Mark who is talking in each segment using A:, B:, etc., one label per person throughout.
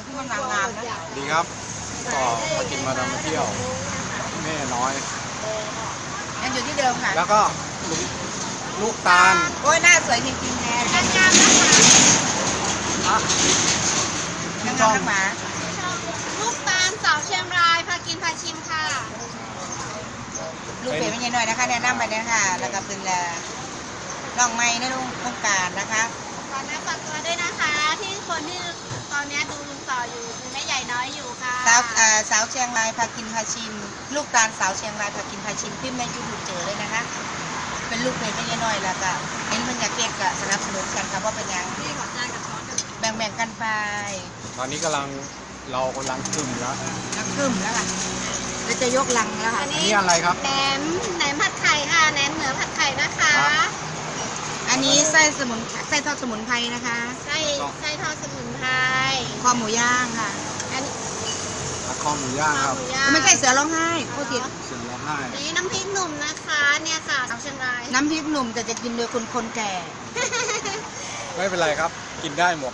A: ที่มันงามๆนะ
B: ดีครับก็มากินมาดามมาเที่ยวแม่น้อย
A: ยังอยู่ที่เดิมค่ะ
B: แล้วก็ลูกตาล
A: โอ้ยหน้าสวยจริงๆแน่งามๆนะคะงามๆนักหมา
C: ลูกตาลสาวเชียงรายพากินพาชิมค่ะ
A: ลูกเก๋ไม่ใช่น้อยนะคะแนะนำไปเนี่ยค่ะแล้วก็เป็นน้องไม้นะลุงต้องการนะคะ
C: ตอนนี้ฝากตัวด้วยนะคะที่คนที่ตอนนี้ดูลุงต่ออยู่คือแม่ใหญ่น้อยอยู่ค่ะ
A: สาวเชียงรายพากินพาชิมลูกตาลสาวเชียงรายพากินพาชิมพิมพ์ในยูทูบเจอเลยนะคะเป็นลูกเก๋ไม่ใช่น้อยแล้วก็เห็นมันอยากเก็บก็สนับสนุนกันค่ะว่าเป็นยัง
C: นี่ขอจานกับช้อน
A: แบ่งกันไป
B: ตอนนี้เรากำลังกึ่มแล้ว
A: ค่ะเราจะยกลังแล้วค่ะ
B: อันนี้อะไรครับ
C: แหนมผัดไข่ค่ะแหนมเหนือผัดไข่นะคะ
A: อันนี้ไส้ทอดสมุนไพรนะคะ
C: ไส้ทอดสมุนไพร
A: คอหมูย่างค่ะ
B: คอหมูย่างครับ
A: ไม่ใช่เสือร้องไห้พูดผิด
B: เสือร้องไห้
C: นี่น้ำพริกหนุ่มนะคะเนี่ยค่ะสาวเชียงราย
A: น้ำพริกหนุ่มแต่จะกินโดยคนแก่
B: ไม่เป็นไรครับกินได้หมด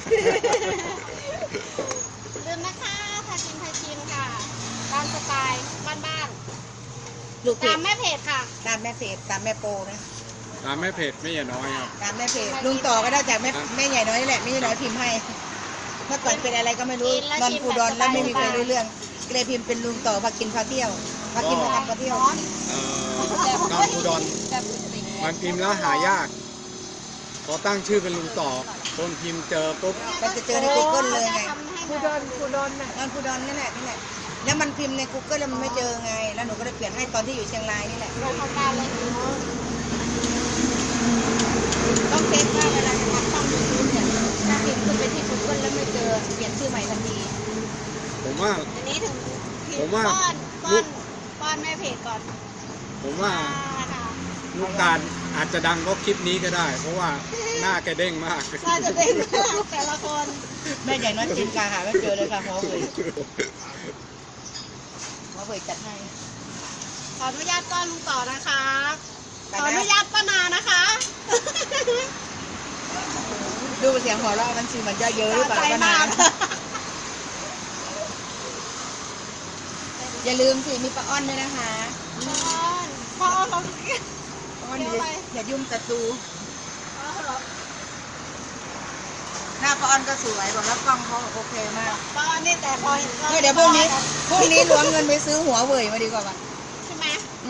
C: ลืมนะคะพาชิมค่ะตามสไตล์บ้านๆตามแม่เพจค่ะ
A: ตามแม่เพจตามแม่โปนะ
B: ตามแม่เพจไม่ใหญ่น้อยครับ
A: ตามแม่เพจลุงต่อก็ได้จากแม่ใหญ่น้อยนี่แหละแม่ใหญ่น้อยพิมพ์ให้เมื่อก่อนเป็นอะไรก็ไม่รู้นอนปูดอนแล้วไม่มีใครรู้เรื่องเลยพิมพ์เป็นลุงต่อพากินพาเที่ยวพากินพาทำพาเที่ยว
B: นอนปูดอนมันพิมพ์แล้วหายากพอตั้งชื่อเป็นลุงต่อคนพิมพ์เจอปุ๊บ
A: มันจะเจอใน Google เลยไงปูดอนนอนปูดอนนี่แหละแล้วมันพิมพ์ใน Google แล้วมันไม่เจอไงแล้วหนูก็ได้เปลี่ยนให้ตอนที่อยู่เชียงรายนี่แหละต้องเช็คว่าเวลาจะทำช่องยูทูบเนี่ยถ้าพิมพ์ขึ้นไปที่ Google แล้วไม่เจอเปลี่ยนชื่อใหม่ทันที
B: ผมว่า
C: อันนี้ถึงป้อนแม่เพจก่อน
B: ผมว่าลูกตาลอาจจะดังเพราะคลิปนี้ก็ได้เพราะว่าหน้าแกเด้งมาก
C: น่าจะเด้งมากแต่ละคน
A: แม่ใหญ่น้อยจินกาหาไม่เจอเลยค่ะหัวเว่ยจัดให้
C: ขออนุญาตป้อนลุงต่อนะคะขออนุญาตป้านานะคะ
A: ดูเสียงหัวเราะมันชื่อมันจะเยอะหรือเปล่าป้านาอย่าลืมสิมีป้าอ้อนด้วยนะคะ
C: ป้าอ้อนเรา
A: อย่ายุ่งศัตรูหน้าป้าอ้อนก็สวยบอกแล้วกล้องเขาโอเคมาก
C: ป้าอ้อนนี่แต่พอ
A: เดี๋ยวพรุ่งนี้ล้วงเงินไปซื้อหัวเว่ยมาดีกว่าป่ะ
C: ใช่ไหม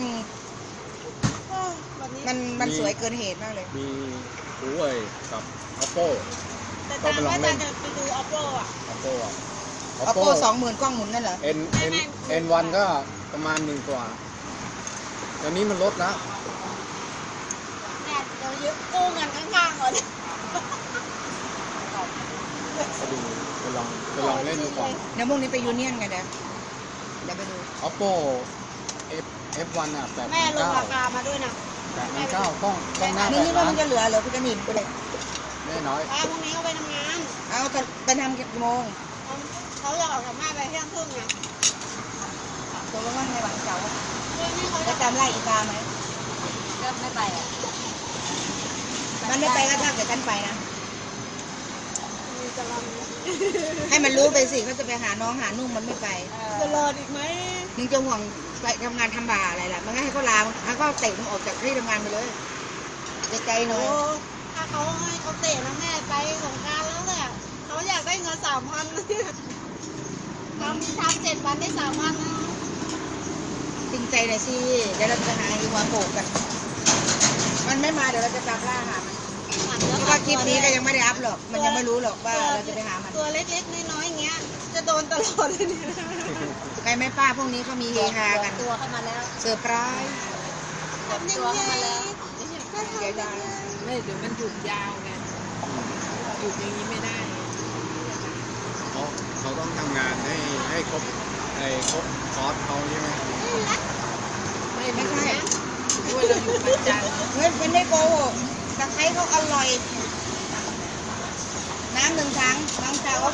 A: มันสวยเกินเหตุมากเลย
B: มีหัวเว่ยกับ Oppo
C: แต่ตามว่าจะไปดู Oppo อ่ะ
A: Oppo 20,000กล้องหมุนนั่นเหรอ
B: N1 ก็ประมาณ1 กว่าตอนนี้มันลดแล้ว
C: เนี่ยเดี๋ยวยึดกู้เงินข้างๆก่อน
B: ไปลองเล่นดูก่อน
A: เดี๋ยวพรุ่งนี้ไปยูเนียนกันเดี๋ยวไปดู
B: Oppo F1 อ่ะ8,900
C: แม่ลงราคามาด้วยนะ
B: 8,900กล้องหน้า
A: นี่ว่ามันจะเหลือพี่จะหนีไปเลย
B: แม่น้อย
C: พรุ่งนี้เขาไปทำงาน
A: เอาไปทำกี่โมง
C: เขาจะออกจากบ้านไปเที่ยงครึ่งไง
A: ตัวลงว่าในหวังเจ้าจะจำไล่อีกาไหม
C: ก็ไม่ไปอ่ะ
A: มันไม่ไปก็ถ้าเกิดท่านไปนะให้มันรู้ไปสิเขาจะไปหาน้องหานุ่งมันไม่ไป
C: จะรออีกไหม
A: มึงจะห่วงไปทำงานทำบ่าอะไรล่ะมันให้เขาลาให้เขาเตะมึงออกจากที่ทำงานไปเลยใจหน่อย
C: ถ้าเขาให้เขาเตะนะแม่ไปสงการแล้วเนี่ยเขาอยากได้เงิน3,000ทำ7 วันได้3,000นะ
A: จริงใจหน่อยสิเดี๋ยวเราจะหาอีกวันโผล่กันมันไม่มาเดี๋ยวเราจะตามล่าหามันเพราะว่าคลิปนี้ก็ยังไม่ได้อัพหรอกมันยังไม่รู้หรอกว่าเราจะไปหามัน
C: ตัวเล็กๆน้อยๆอย่างเงี้ยจะโดนตลอดเลยเนี่ย
A: ใครไม่ป้าพวกนี้เขามีเฮฮากัน
C: ตัวเข้ามาแล้ว
A: เซอร์ไพรส์
C: ตัวเข้ามาแล้ว
A: เดี๋ยว
D: ไม่เดี๋ยวมันหยุดยาวไงหยุดอย่างนี้ไม่ได้
B: เขาต้องทำงานให้ครบคอร์สเขาใช่ไหม
A: ไม่ใช่
D: ด้วยเราอยู่ประจำ
A: เฮ้ยเป็นได้โกหกตะไคร้เขาอร่อยน้ำ1 ถังน้องเจ้า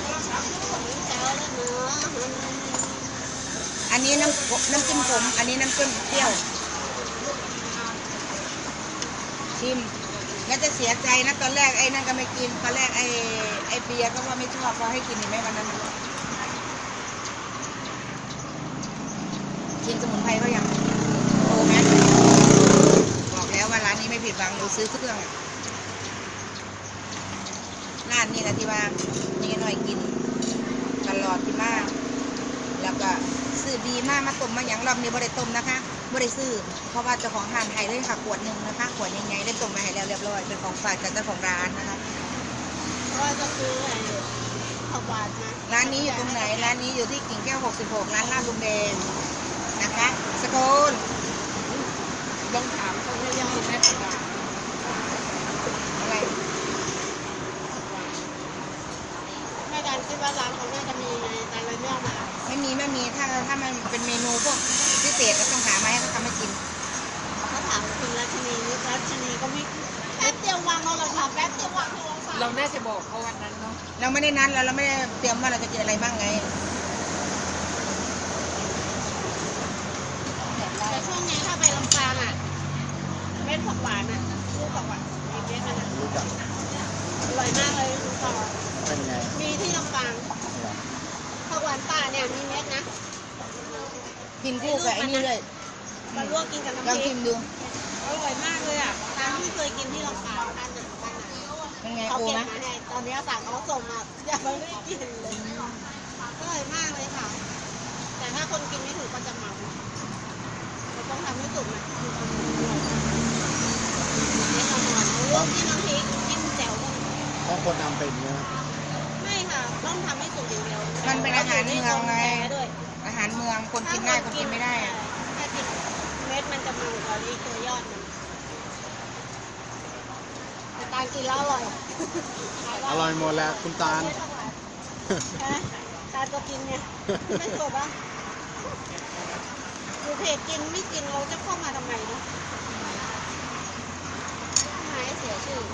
A: อันนี้น้ำจิ้มขมอันนี้น้ำจิ้มเปรี้ยวชิมไม่จะเสียใจนะตอนแรกไอ้นั่นก็ไม่กินตอนแรกไอ้เบียร์ก็ว่าไม่ชอบพอให้กินเห็นไหมวันนั้นกินสมุนไพรเขายังโอ้แม่บอกแล้วว่าร้านนี้ไม่ผิดหวังหนูซื้อเครื่องร้านนี้นะที่ว่านี่หน่อยกินตลอดที่มากแล้วก็ซื้อดีมากมาต้มมาอย่างรอบนี้บ่ได้ต้มนะคะบ่ได้ซื้อเพราะว่าเจ้าของร้านไทยเลยค่ะขวดหนึ่งนะคะขวดใหญ่ๆได้ต้มมาให้แล้วเรียบร้อยเป็นของฝากจากเจ้าของร้านนะคะ
C: ก็จะซื้อไอ้ผักหวานมา
A: ร้านนี้อยู่ตรงไหนร้านนี้อยู่ที่กิ่งแก้ว66ร้านลาดลุงแดงนะคะสกล
D: ลองถามเขาได้ยังคุณแม่ผักหวาน
A: อะไร
C: แม่การคิดว่าร้านเขาน่าจะมีในแต่ละเรื่องมา
A: ไม่มีถ้ามันเป็นเมนูพวกพิเศษก็ต้องหามาให้เขาทำให้กิน
C: ถ้าถามคุณรัชนีนี่รัชนีก็ไม่แป๊บเดียววางเอาละค่ะแป๊บเดียววางโทรศัพท์
D: เราน่าจะบอกเขาวันนั้นเนาะ
A: เราไม่ได้นัดเราไม่ได้เตรียมว่าเราจะกินอะไรบ้างไง
C: แต่ช่วงนี้ถ้าไปลำปางอ่ะเม็ดผักหวานอ่ะลูกผักหวานมีเม็ดมันอ่ะ
B: รู้จัก
C: อร่อยมากเลยคุณต่อ
B: เป็นไง
C: มีที่ลำปางผักหวานป่าเนี่ยมีเม็ดนะ
A: กินคู่กับไอ้นี่เลย
C: มาลวกกินกับ
A: ลอง
C: น้ำพริ
A: ชิ
C: ก
A: มดู
C: อร่อยมากเลยอ่ะตามที่เคยกินที่ลำปางท่านน่ะ
A: เป็นไง
C: เขา
A: โอ
C: เก็บ
A: ไหม
C: มาให้ตอนนี้สั่งเขาส่งมายังไม่ได้กินเลยอร่อยมากเลยค่ะ แต่ถ้าคนกินไม่ถูกก็จะเมาเราต้องทำให้สุกนะนี่ขนมลวกที่น้ำพริกจิ้มแจ่วก็
B: ต้องคนทำเป็นนะ
C: ไม่ค่ะ ต้องทำให้สุกอย่างเดียว
A: มันเป็นอาหารเมืองไง
C: ด้วย
A: อาหารเมืองคนกินได้คนกินไม่ได้อะ
C: ถ้ากินเม็ดมันจะมันกว่านี้ตัวยอดมันแต่การกินแล้วอร่อย
B: อร่อยหมดแล้วคุณตาล
C: ตาตัวกินไงไม่ถูกปะอยู่เพจกินไม่กินเราจะเข้ามาทำไมเนาะหายเสียชื่อ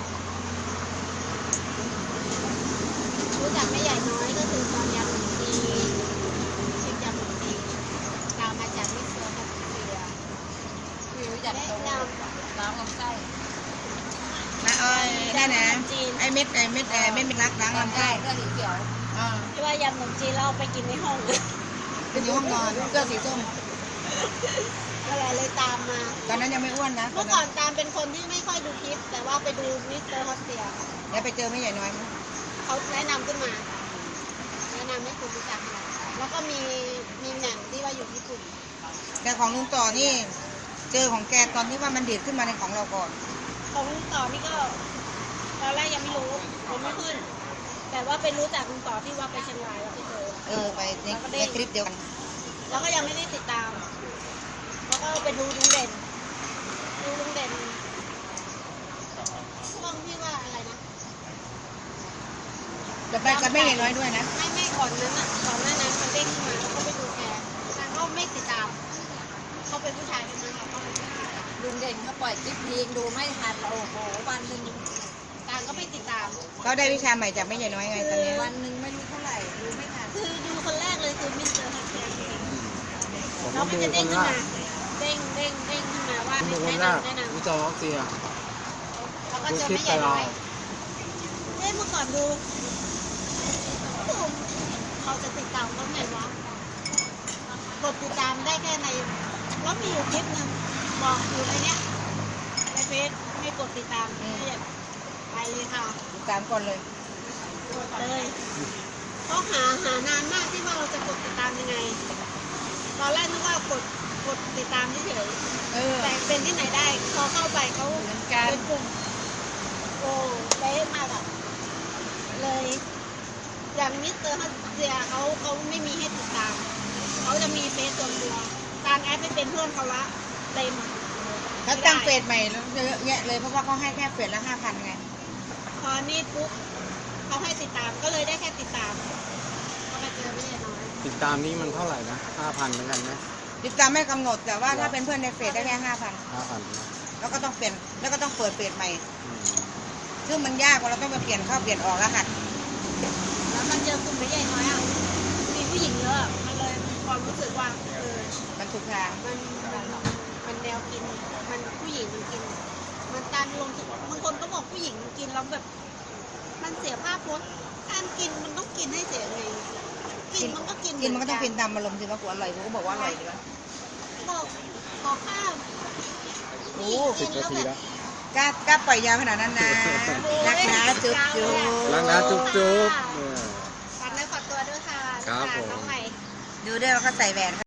C: รู้จักไม่ใหญ่น้อยก็คือตอนยำหนึ่งปีชิมยำหนึ่งปีตามมาจากมิสเตอร์พัทเซีย
D: คือรู้จัก
C: แนะ
D: ตรง
C: น
D: น้ำลำไส้
A: นะอ้อยนั่นนะไอ้เม็ดเม็ดรักล้างลำไส้
D: เสื้อสีเขียว
A: อ่า
C: ำที่ว่ายำขนมจีนเราเอาไปกินในห้อง
A: เป็นอยู่ห้องนอนเสื้อสีส้ม
C: อะไรเลยตามมา
A: ตอนนั้นยังไม่อ้วนนะตอ
C: เมื่
A: น
C: อก่
A: นั้
C: อน นตามเป็นคนที่ไม่ค่อยดูคลิป แต่ว่าไปดูมิสเตอร์ฮอตเซีย
A: แล้วไปเจอไม่ใหญ่น้อยมั้ย
C: เขาแนะนำขึ้นมา แนะนำให้คุณรู้จักเราแล้วก็มีแหม่มที่ว่าอยู่ญี่ปุ่น
A: แต่ของลุงต่อนี่เจอของแกตอนที่ว่ามันเด็ดขึ้นมาในของเราก่อน
C: ของลุงต่อนี่ก็ตอนแรกยังไม่รู้ผมไม่ขึ้น แต่ว่าไปรู้จักลุงต่อที่ว่าไปเชียงรายแล้วไปเจอ
A: ไปในคลิปเดียวกัน
C: แล้วก็ยังไม่ได้ติดตาม แล้วก็ไปดูลุงเด่นช่วงที่ว่าอะไรนะ
A: จะไปกับไม่ใหญ่น้อยด้วยนะ
C: ไม่ก่อนนั้นอ่ะก่อนหน้านั้นมันเด้งขึ้นมาแล้วก็ไปดูแกแต่ก็ไม่ติดตาม เขาเป็นผู้ชายเป็นนั้นเราก็ไม่ติดตาม
D: ลุงเด่นเขาปล่อยคลิปทีดูไม่ทันเราโอ้โหวันหนึ่ง
C: ต่างก็ไม่ติดตาม
A: เขาได้วิชาใหม่จากไม่ใหญ่น้อยไงตอนนี้
D: วันหนึ่งไม่รู้เท่าไหร่ดูไม่ทัน
C: คือดูคนแรกเลยคือมิสเตอร์ฮันเซีย
B: ผม
C: แล้ว
B: ก็
C: มัน
B: ดู
C: จะ
B: ค
C: เด้ง
B: น
C: ขึ้น
B: แร
C: มาก เด้งขึ้นมาว่า
B: ผมดูคน
C: แนะ
B: แรก
C: นำ
B: รู้จักออสเซีย
C: แล้วก็
B: ดู
C: เจอ
B: คลิป
C: ไม่ให
B: ไป
C: ญ่
B: เรา
C: น้อยเอ้ยเมื่อก่อนดูเขาจะติดตามเขาไงวะกดติดตามได้แค่ในแล้วมีอยู่คลิปหนึ่งบอกอยู่ในเนี้ยในเฟซไม่กดติดตามเนี่ยไปเลยค่ะ
A: ติดตามก่อนเลย
C: กดเลยก็หานานมากที่ว่าเราจะกดติดตามยังไง ตอนแรกนึกว่ากดติดตามเฉย แต่เป็นที่ไหนได้พอเข้าไปเขาเป็นกลุ่มโอ้เป๊ะมากอะเลย อย่างมิสเตอร์ฮัตเซียเขาไม่มีให้ติดตาม เขาจะมีเฟซส่วนตัวการแอดไปเป็นเพื่อนเขาละเต็ม
A: เขาตั้งเฟซใหม่แล้วเยอะแยะเลยเพราะว่าเขาให้แค่เฟซละ5,000ไง
C: พอนี่ปุ๊บเขาให้ติดตามก็เลยได้แค่ติดตามก็มาเจอไม่ใช่น้อย
B: ติดตามนี้มันเท่าไหร่นะ5,000เหมือนกันไหม
A: ติดตามไม่กำหนดแต่ว่าถ้าเป็นเพื่อนในเฟซได้แค่5,000
B: 5,000นะ
A: แล้วก็ต้องเปลี่ยนแล้วก็ต้องเปิดเฟซใหม่
B: อืม
A: ซึ่งมันยากกว่าเราต้องไปเปลี่ยนเข้าเปลี่ยนออกรหัส
C: แล้วมันเจอกลุ่มไม่ใหญ่น้อยอ่ะมีผู้หญิงเยอะ มันเลยมีความรู้สึกว่า
A: มันถูกทาง
C: มันแนวกิน มันผู้หญิงมันกิน มมันการลงบางคนก็บอกผู้หญิงกินแล้วแบบ มันเสียภาพพจน์การกินมันต้องกินให้เสียเลยกินมันก็กิน
A: กินมันก็ต้องเป็นตามอารมณ์สิว่ากูอร่อยกูก็บอกว่าอร่อยดีวะ
C: บอกข้าว
A: โอ้
B: 10 นาทีแล้ว
A: กล้าปล่อยยาวขนาดนั้นนะรักนะจุ๊บจุ๊บ
B: รักนะจุ๊บจุ๊บ
C: ฝากเนื้อฝากตัวด้วยค่ะ
B: ครับผม
C: น้องใหม่
A: ดูด้วยว่าเขาใส่แหวน